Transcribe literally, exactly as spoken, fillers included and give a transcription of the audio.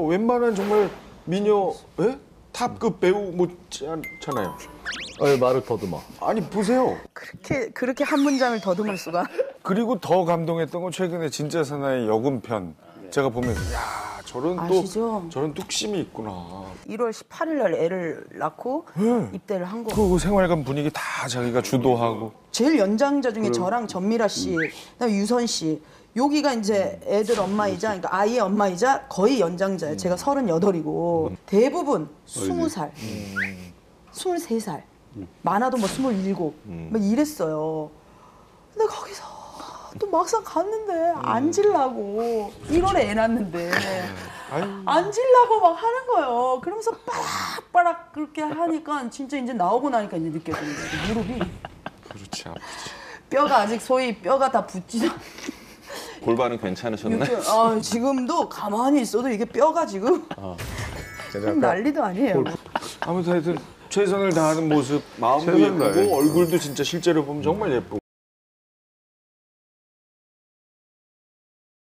웬만한 정말 미녀, 예? 탑급 배우 못지 않잖아요. 어, 말을 더듬어. 아니 보세요. 그렇게 그렇게 한 문장을 더듬을 수가. 그리고 더 감동했던 건 최근에 진짜 사나이 여군편 제가 보면서 야 저런 아시죠? 또 저런 뚝심이 있구나. 일월 십팔일 날 애를 낳고 네. 입대를 한 거. 그 생활관 분위기 다 자기가 주도하고. 제일 연장자 중에 저랑 전미라 씨, 그다음에 유선 씨. 여기가 이제 애들 엄마이자, 그러니까 아이의 엄마이자 거의 연장자예요. 제가 서른여덟이고 대부분 스무 살, 스물세 살, 많아도 뭐 스물일곱, 막 이랬어요. 근데 거기서 또 막상 갔는데 앉으려고 일월에 애 낳는데 앉으려고 막 하는 거예요. 그러면서 빠락빠락 그렇게 하니까 진짜 이제 나오고 나니까 이제 느껴지는 거예요. 무릎이 그렇지 아프지. 뼈가 아직 소위 뼈가 다 붙지도 골반은 괜찮으셨나요? 이렇게, 아, 지금도 가만히 있어도 이게 뼈가 지금 좀 난리도 아니에요. 아무튼 하여튼 최선을 다하는 모습 마음도 최선을 다해. 예쁘고 얼굴도 진짜 실제로 보면 정말 예쁘고.